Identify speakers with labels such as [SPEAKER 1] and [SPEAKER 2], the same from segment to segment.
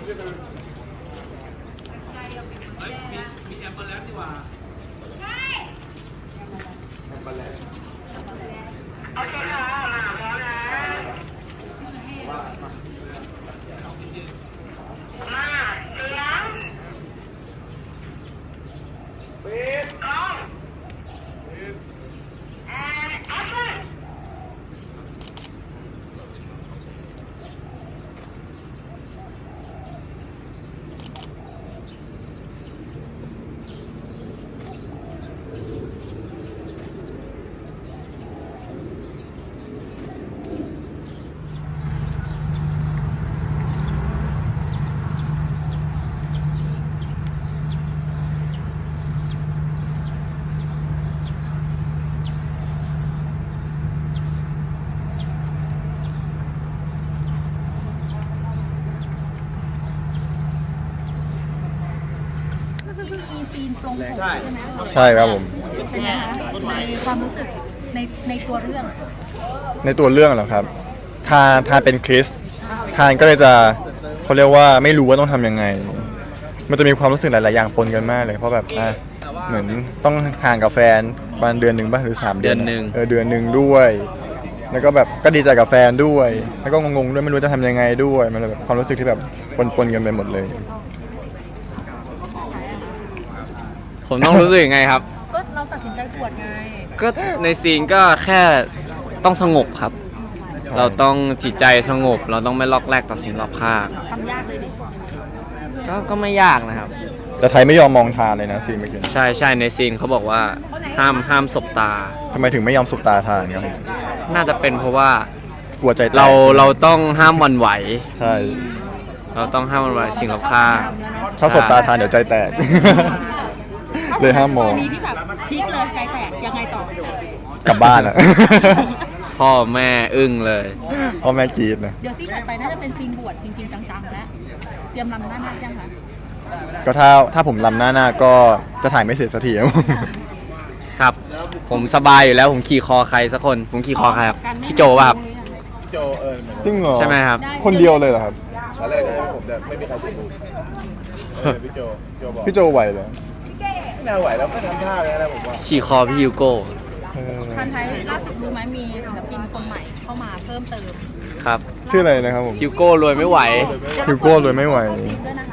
[SPEAKER 1] มีแอปเปิลแล้วดีกว่าแอปเปิลแล้วโอเคค่ะมาพร้อมนะมาเสียงปิดกล้องand action
[SPEAKER 2] มีซีนตรงผมใช่ไหม
[SPEAKER 3] ใช่ครับผม
[SPEAKER 2] เป็นไงคะในความรู้สึกในตัวเรื่อง
[SPEAKER 3] ในตัวเรื่องเหรอครับทานเป็นคริสทานก็เลยจะเขาเรียกว่าไม่รู้ว่าต้องทำยังไง มันจะมีความรู้สึกหลายๆอย่างปนกันมากเลยเพราะแบบเหมือนต้องห่างกับแฟนประมาณเดือนหนึ่งป่ะหรือ3 เดือน
[SPEAKER 4] เดือนหนึ่ง
[SPEAKER 3] เดือนหนึ่งด้วย แล้วก็แบบก็ดีใจกับแฟนด้วย แล้วก็งงๆด้วยไม่รู้จะทำยังไงด้วยมันเลยแบบความรู้สึกที่แบบปนกันไปหมดเลย
[SPEAKER 4] ผมต้องรู้สึกยังไงครับ
[SPEAKER 2] ก็เราตัดสินใจบวชไง
[SPEAKER 4] ก็ในซีนก็แค่ต้องสงบครับ เราต้องจิตใจสงบ เราต้องไม่ล็อกแรกต่อสิ่งรอบข้าง
[SPEAKER 2] ทำยากเลยดิ
[SPEAKER 4] ก็ไม่ยากนะครับ
[SPEAKER 3] แต่ไทยไม่ยอมมองทานเลยนะซีนเมื่อกี้
[SPEAKER 4] ใช่ในซีนเขาบอกว่าห้ามสบตา
[SPEAKER 3] ทำไมถึงไม่ยอมสบตาทานครับ
[SPEAKER 4] น่าจะเป็นเพราะว่า
[SPEAKER 3] กลัวใจแตก
[SPEAKER 4] เราต้องห้ามหวันไหว
[SPEAKER 3] ใช่
[SPEAKER 4] เราต้องห้ามหวันไหวสิ่งรอบข้าง
[SPEAKER 3] ถ้าสบตาทานเดี๋ยวใจแตก เลยห้ามมอง
[SPEAKER 2] นี้ที่แบบพลิกเลยใจแตกยังไงต่อก
[SPEAKER 3] ลับบ้านอะ
[SPEAKER 4] พ่อแม่อึ้งเลย
[SPEAKER 3] พ่อแม่กรีดนะ
[SPEAKER 2] เดี๋ยวซีนต่อไปน่าจะเป็นซีนบวชจริงๆจังๆแล้วเตรียมรำหน้ายังคะ
[SPEAKER 3] ก็ถ้าผมลำหน้าก็จะถ่ายไม่เสร็จสักทีครับ
[SPEAKER 4] ครับ ผมสบายอยู่แล้วผมขี่คอใครสักคน ผมขี่คอใครครับพี่โจป่ะครับ
[SPEAKER 1] โจ
[SPEAKER 3] จริงเหรอ
[SPEAKER 4] ใช่ไหมครับ
[SPEAKER 3] คนเดียวเลยเหรอครับ
[SPEAKER 1] ตอนแรกผมจะไม่มีใครสนุกพี่โจบอก
[SPEAKER 3] พี่โจไหวเหรอ
[SPEAKER 1] ไม่น่าไหวแล้วก็ทำท่าเลยนะผมว่า
[SPEAKER 4] ขี่คอพี่ฮิวโก้
[SPEAKER 3] เออ
[SPEAKER 2] ทันไทยล่าสุดรู้ไหมมีศิลปินคนใหม่เข้ามาเพิ่มเติม
[SPEAKER 4] ครับ
[SPEAKER 3] ชื่ออะไรนะครับผม
[SPEAKER 4] ฮิวโก้รวยไม่ไหว
[SPEAKER 3] ฮิวโก้เลยไม่ไหว
[SPEAKER 2] ซีนด้วยนะคะ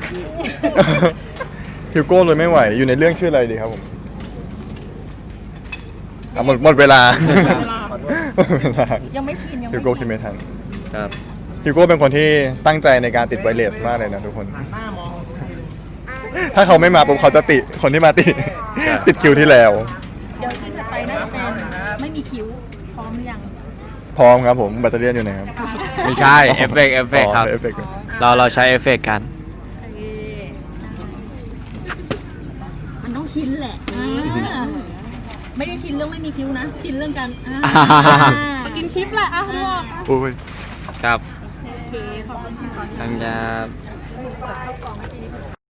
[SPEAKER 3] ฮิวโก้เลยไม่ไหว อยู่ในเรื่องชื่ออะไรดีครับผมหมดเวลา
[SPEAKER 2] ยังไม่ชินยัง
[SPEAKER 3] ฮิ
[SPEAKER 2] ไม่
[SPEAKER 3] วโก้คิดไม่ทัน
[SPEAKER 4] ครับ
[SPEAKER 3] ฮิวโก้เป็นคนที่ตั้งใจในการติดไวเลสมากเลยนะทุกคน ถ้าเขาไม่มาปุ๊บเขาจะติคนที่มาติ ติดคิวที่แล้ว
[SPEAKER 2] เดี๋ยวซีนถัดไปน่าจะเป็นไม่มีคิ้วพร้อมหรือยัง
[SPEAKER 3] พร้อมครับผมแบตเตอรี่อยู่ไหนครับ
[SPEAKER 4] ไม่ใช่เอฟเฟกต์ครับ
[SPEAKER 3] เอฟเฟกต์
[SPEAKER 4] เราใช้เอฟเฟกต์กัน
[SPEAKER 2] มันต้องชินแหละไม่ได้ชินเรื่องไม่มีคิ้วนะ ชินเรื่องการกินชิปแหละอ่ะลวก
[SPEAKER 3] โอ้ย
[SPEAKER 4] ครับ
[SPEAKER 2] โอเคขอบคุณค่ะ
[SPEAKER 4] ทางยา